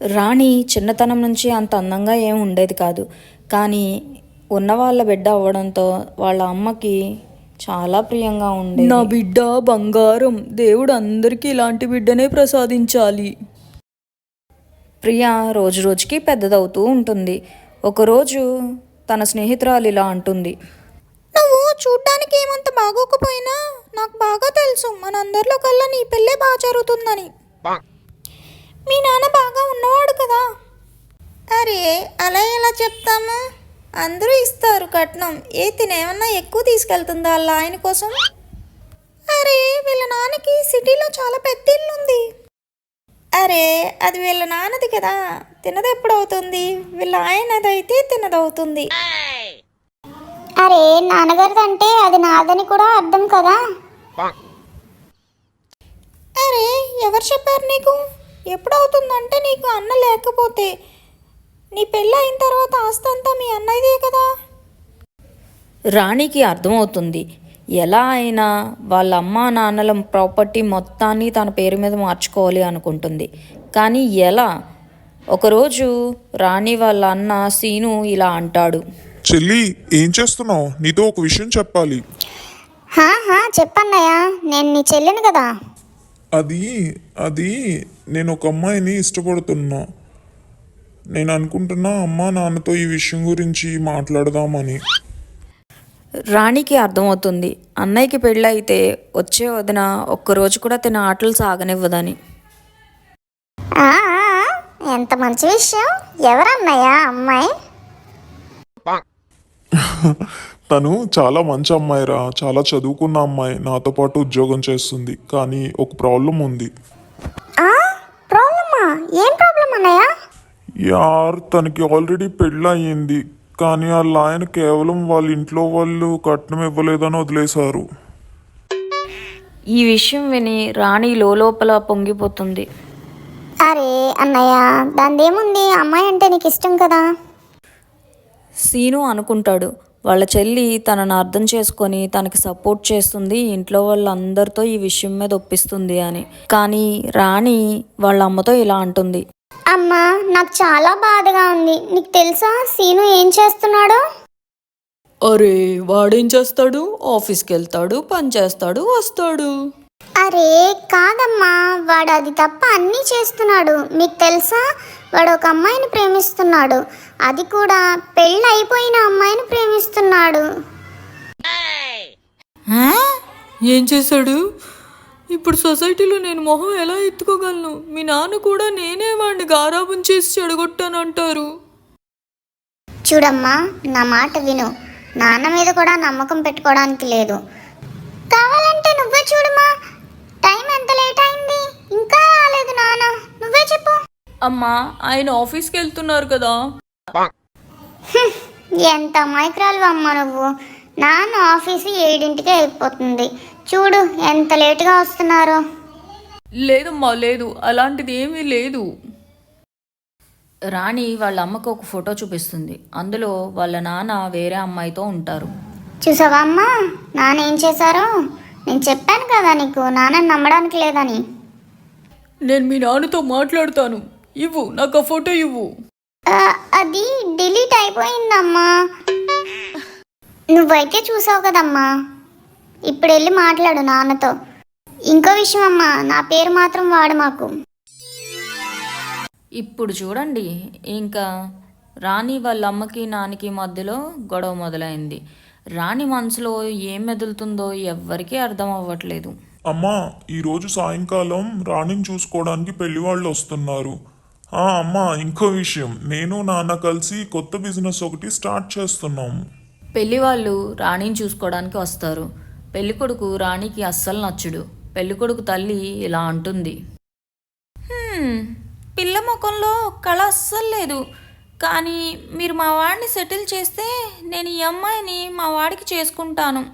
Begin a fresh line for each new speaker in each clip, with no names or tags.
రాణి చిన్నతనం నుంచి అంత అందంగా ఏం ఉండేది కాదు. కానీ ఉన్నవాళ్ళ బిడ్డ అవ్వడంతో వాళ్ళ అమ్మకి చాలా ప్రియంగా ఉండేది.
నా బిడ్డ బంగారం, దేవుడు అందరికీ ఇలాంటి బిడ్డనే ప్రసాదించాలి.
ప్రియ రోజు రోజుకి పెద్దదవుతూ ఉంటుంది. ఒకరోజు తన స్నేహితురాలు ఇలా అంటుంది,
నువ్వు చూడ్డానికి ఏమంత బాగోకపోయినా నాకు బాగా తెలుసు మనందరిలో కల్లా నీ పెళ్ళే బాగా జరుగుతుందని. మీ నాన్న బాగా ఉన్నవాడు కదా. అరే అలా ఎలా చెప్తాము, అందరూ ఇస్తారు కట్నం. తినేమన్నా ఎక్కువ తీసుకెళ్తుందా వాళ్ళ ఆయన కోసం? అరే వీళ్ళ నాన్నకి సిటీలో చాలా పెద్ద ఇల్లు ఉంది. అరే అది వీళ్ళ నాన్నది కదా, తినది ఎప్పుడవుతుంది? వీళ్ళ ఆయనదైతే తినదవుతుంది.
అరే నాన్నగారిదంటే అది నాదని కూడా అర్థం కదా.
అరే ఎవరు చెప్పారు నీకు? ఎప్పుడవుతుందంటే నీకు అన్న లేకపోతే నీ పెళ్ళి అయిన తర్వాత ఆస్తి అంతా మీ అన్నయ్యదే కదా.
రాణికి అర్థమవుతుంది ఎలా అయినా వాళ్ళ అమ్మా నాన్నల ప్రాపర్టీ మొత్తాన్ని తన పేరు మీద మార్చుకోవాలి అనుకుంటుంది. కానీ ఎలా? ఒకరోజు రాణి వాళ్ళ అన్న సీను ఇలా అంటాడు,
చెల్లి ఏం చేస్తున్నావు? నీతో ఒక విషయం చెప్పాలి.
చెప్పన్నయ్యా, నేను నీ చెల్లిని కదా.
అది నేను ఒక అమ్మాయిని ఇష్టపడుతున్నా. నేను అనుకుంటున్నా అమ్మా నాన్నతో ఈ విషయం గురించి మాట్లాడదామని.
రాణికి అర్థమవుతుంది అన్నయ్యకి పెళ్ళైతే వచ్చే వదిన ఒక్కరోజు కూడా తిన ఆటలు సాగనివ్వదని.
ఎంత మంచి విషయం. ఎవరన్నయ్యా అమ్మాయి?
తను చాలా మంచి అమ్మాయిరా, చాలా చదువుకున్న అమ్మాయి, నాతో పాటు ఉద్యోగం చేస్తుంది. కానీ ఒక ప్రాబ్లం ఉంది.
ప్రాబ్లమా? ఏం ప్రాబ్లం అన్నయ్య?
తనకి ఆల్రెడీ పెళ్ళి అయ్యింది. కానీ వాళ్ళ ఆయన కేవలం వాళ్ళ ఇంట్లో వాళ్ళు కట్నం ఇవ్వలేదని వదిలేశారు.
ఈ విషయం విని రాణి లోపల పొంగిపోతుంది.
అరే అన్నయ్య, దానిదేముంది, అమ్మాయి అంటే నీకు ఇష్టం కదా.
సీను అనుకుంటాడు వాళ్ళ చెల్లి తనను అర్థం చేసుకొని తనకి సపోర్ట్ చేస్తుంది, ఇంట్లో వాళ్ళందరితో ఈ విషయం మీద ఒప్పిస్తుంది అని. కానీ రాణి వాళ్ళ అమ్మతో ఇలా అంటుంది,
అమ్మా నాకు చాలా బాధగా ఉంది. నీకు తెలుసా సీను ఏం చేస్తున్నాడో?
అరే వాడేం చేస్తాడు? ఆఫీస్కి వెళ్తాడు, పని చేస్తాడు, వస్తాడు.
అరే కాదమ్మా, వాడు అది తప్ప అన్నీ చేస్తున్నాడు. మీకు తెలుసా, వాడు ఒక అమ్మాయిని ప్రేమిస్తున్నాడు. అది కూడా పెళ్ళి అయిపోయిన అమ్మాయిని ప్రేమిస్తున్నాడు.
ఏం చేశాడు? ఇప్పుడు సొసైటీలో నేను మొహం ఎలా ఎత్తుకోగలను? మీ నాన్న కూడా నేనే వాడిని గారాబం చేసి చెడగొట్టానంటారు.
చూడమ్మా, నా మాట విను. నాన్న మీద కూడా నమ్మకం పెట్టుకోవడానికి లేదు. కావాలంటే నువ్వే చూడమ్మా, టైం ఎంత లేట్ అయింది, ఇంకా రాలేదు నాన్న. నువ్వే చెప్పు.
అమ్మా ఆయన ఆఫీస్కి వెళ్తున్నారు కదా.
ఎంత అమాయకురాలు అమ్మ నువ్వు. నాన్న ఆఫీసు 7ంటికే అయిపోతుంది. చూడు ఎంత లేటుగా వస్తున్నారో.
లేదమ్మా లేదు, అలాంటిది ఏమీ లేదు.
రాణి వాళ్ళ అమ్మకు ఒక ఫోటో చూపిస్తుంది. అందులో వాళ్ళ నాన్న వేరే అమ్మాయితో ఉంటారు.
చూసావా అమ్మా నాన్న ఏం చేశారో? నేను చెప్పాను కదా నీకు, నాన్నని నమ్మడానికి లేదని.
నేను మీ నాన్నతో మాట్లాడతాను. ఇవ్వు నాకు ఆ ఫోటో ఇవ్వు.
అది డిలీట్ అయిపోయిందమ్మా. నువ్వైతే చూసావు కదమ్మా. ఇప్పుడు వెళ్ళి మాట్లాడు నాన్నతో. ఇంకో విషయం అమ్మా, నా పేరు మాత్రం వాడు మాకు.
ఇప్పుడు చూడండి, ఇంకా రాణి వాళ్ళ అమ్మకి నాన్నకి మధ్యలో గొడవ మొదలైంది. రాణి మనసులో ఏం మెదులుతుందో ఎవ్వరికీ అర్థం అవ్వట్లేదు.
అమ్మా ఈరోజు సాయంకాలం రాణిని చూసుకోవడానికి పెళ్లి వాళ్ళు వస్తున్నారు. అమ్మా ఇంకో విషయం, నేను నాన్న కలిసి కొత్త బిజినెస్ ఒకటి స్టార్ట్ చేస్తున్నాము.
పెళ్లి వాళ్ళు రాణిని చూసుకోవడానికి వస్తారు. పెళ్ళికొడుకు రాణికి అస్సలు నచ్చడు. పెళ్ళికొడుకు తల్లి ఇలా అంటుంది,
పిల్ల ముఖంలో కళ అస్సలు లేదు. కానీ మీరు మా వాడిని సెటిల్ చేస్తే నేను ఈ అమ్మాయిని మా వాడికి చేసుకుంటాను.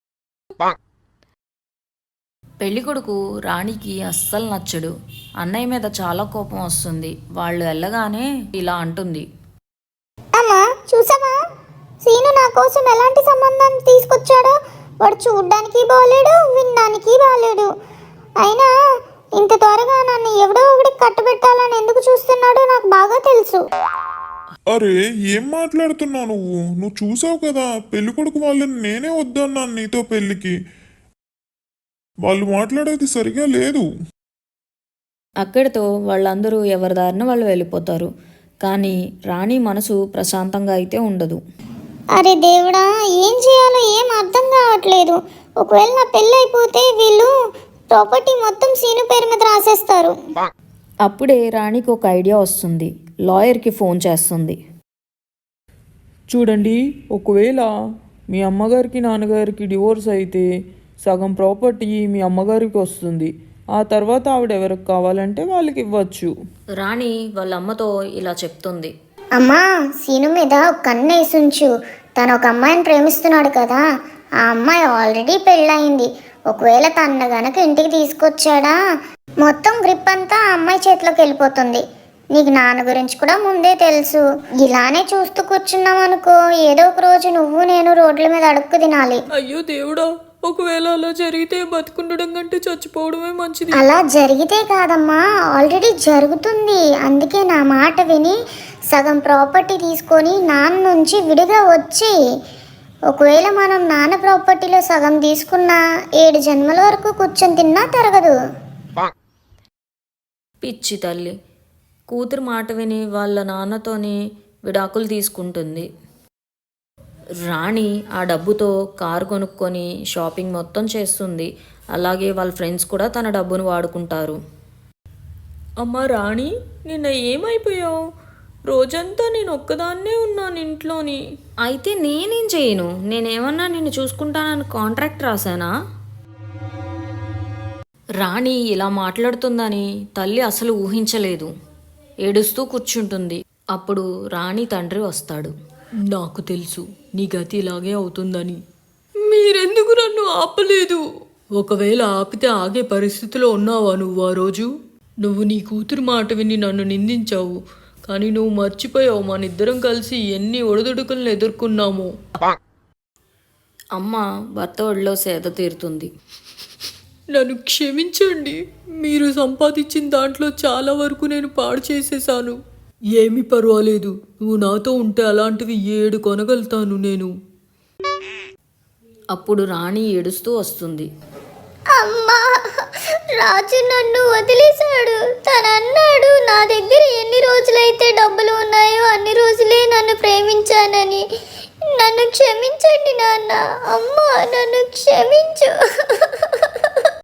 పెళ్ళికొడుకు రాణికి అస్సలు నచ్చడు. అన్నయ్య మీద చాలా కోపం వస్తుంది. వాళ్ళు వెళ్ళగానే ఇలా అంటుంది,
అమ్మా చూసావా, సీను నా కోసం ఎలాంటి సంబంధాన్ని తీసుకొచ్చాడో. వాడు చూడ్డానికి బాలేడు, వినడానికి బాలేడు. అయినా ఇంత త్వరగా నన్ను ఎవడో ఒకటి కట్టబెట్టాలని ఎందుకు చూస్తున్నాడో నాకు తెలుసు.
అరే ఏం మాట్లాడుతున్నావు నువ్వు చూసావు కదా పెళ్ళికొడుకు వాళ్ళని నేనే వద్దన్నాను నీతో పెళ్ళికి. వాళ్ళు మాట్లాడేది సరిగా లేదు.
అక్కడితో వాళ్ళందరూ ఎవరి దారిన వాళ్ళు వెళ్ళిపోతారు. కానీ రాణి మనసు ప్రశాంతంగా అయితే ఉండదు.
అరే దేవుడా, ఏం చేయాలో ఏం అర్థం కావట్లేదు. ఒకవేళ నా పెళ్ళి అయిపోతే వీళ్ళు ప్రాపర్టీ మొత్తం సీను పేరు మీద రాసేస్తారు.
అప్పుడే రాణికి ఒక ఐడియా వస్తుంది. లాయర్కి ఫోన్ చేస్తుంది.
చూడండి, ఒకవేళ మీ అమ్మగారికి నాన్నగారికి డివోర్స్ అయితే సగం ప్రాపర్టీ మీ అమ్మగారికి వస్తుంది. ఆ తర్వాత ఆవిడ ఎవరికి కావాలంటే వాళ్ళకి ఇవ్వచ్చు.
రాణి వాళ్ళ అమ్మతో ఇలా చెప్తుంది.
అమ్మా, సీను మీద ఒక కన్ను వేసుంచు. తను ఒక అమ్మాయిని ప్రేమిస్తున్నాడు కదా, ఆ అమ్మాయి ఆల్రెడీ పెళ్ళయింది. ఒకవేళ తన గనక ఇంటికి తీసుకొచ్చాడా మొత్తం గ్రిప్ అంతా ఆ అమ్మాయి చేతిలోకి వెళ్ళిపోతుంది. నీకు నాన్న గురించి కూడా ముందే తెలుసు. ఇలానే చూస్తూ కూర్చున్నాం అనుకో, ఏదో ఒక రోజు నువ్వు నేను రోడ్ల మీద అడుక్కు తినాలి.
అయ్యో దేవుడా, ఒకవేళ అలా జరిగితే బతుకుండడం కంటే చచ్చిపోవడమే మంచిది.
అలా జరిగితే కాదమ్మా, ఆల్రెడీ జరుగుతుంది. అందుకే నా మాట విని సగం ప్రాపర్టీ తీసుకొని నాన్న నుంచి విడిగా వచ్చి, ఒకవేళ మనం నాన్న ప్రాపర్టీలో సగం తీసుకున్నా 7 జన్మల వరకు కూర్చొని తిన్నా తరగదు.
పిచ్చి తల్లి కూతురు మాట విని వాళ్ళ నాన్నతోని విడాకులు తీసుకుంటుంది. రాణి ఆ డబ్బుతో కారు కొనుక్కొని షాపింగ్ మొత్తం చేస్తుంది. అలాగే వాళ్ళ ఫ్రెండ్స్ కూడా తన డబ్బును వాడుకుంటారు.
అమ్మ రాణి, నిన్న ఏమైపోయావు? రోజంతా నేను ఒక్కదాన్నే ఉన్నాను ఇంట్లోని.
అయితే నేనేం చేయను? నేనేమన్నా నిన్ను చూసుకుంటానని కాంట్రాక్ట్ రాశానా? రాణి ఇలా మాట్లాడుతుందని తల్లి అసలు ఊహించలేదు. ఏడుస్తూ కూర్చుంటుంది. అప్పుడు రాణి తండ్రి వస్తాడు.
నాకు తెలుసు నీ గతి ఇలాగే అవుతుందని. మీరెందుకు నన్ను ఆపలేదు? ఒకవేళ ఆపితే ఆగే పరిస్థితిలో ఉన్నావా నువ్వు? ఆ రోజు నువ్వు నీ కూతురు మాట విని నన్ను నిందించావు. కానీ నువ్వు మర్చిపోయావు మనిద్దరం కలిసి ఎన్ని ఒడిదుడుకులను ఎదుర్కొన్నాము.
అమ్మ భర్త ఒడిలో సేద తీరుతుంది.
నన్ను క్షమించండి. మీరు సంపాదించిన దాంట్లో చాలా వరకు నేను పాడు చేసేసాను. ఏమీ పర్వాలేదు, నువ్వు నాతో ఉంటే అలాంటివి 7 కొనగలుగుతాను నేను.
అప్పుడు రాణి ఏడుస్తూ వస్తుంది.
అమ్మా, రాజు నన్ను వదిలేశాడు. తను అన్నాడు నా దగ్గర ఎన్ని రోజులైతే డబ్బులు ఉన్నాయో అన్ని రోజులే నన్ను ప్రేమించానని. నన్ను క్షమించండి నాన్న. అమ్మా, నన్ను క్షమించు.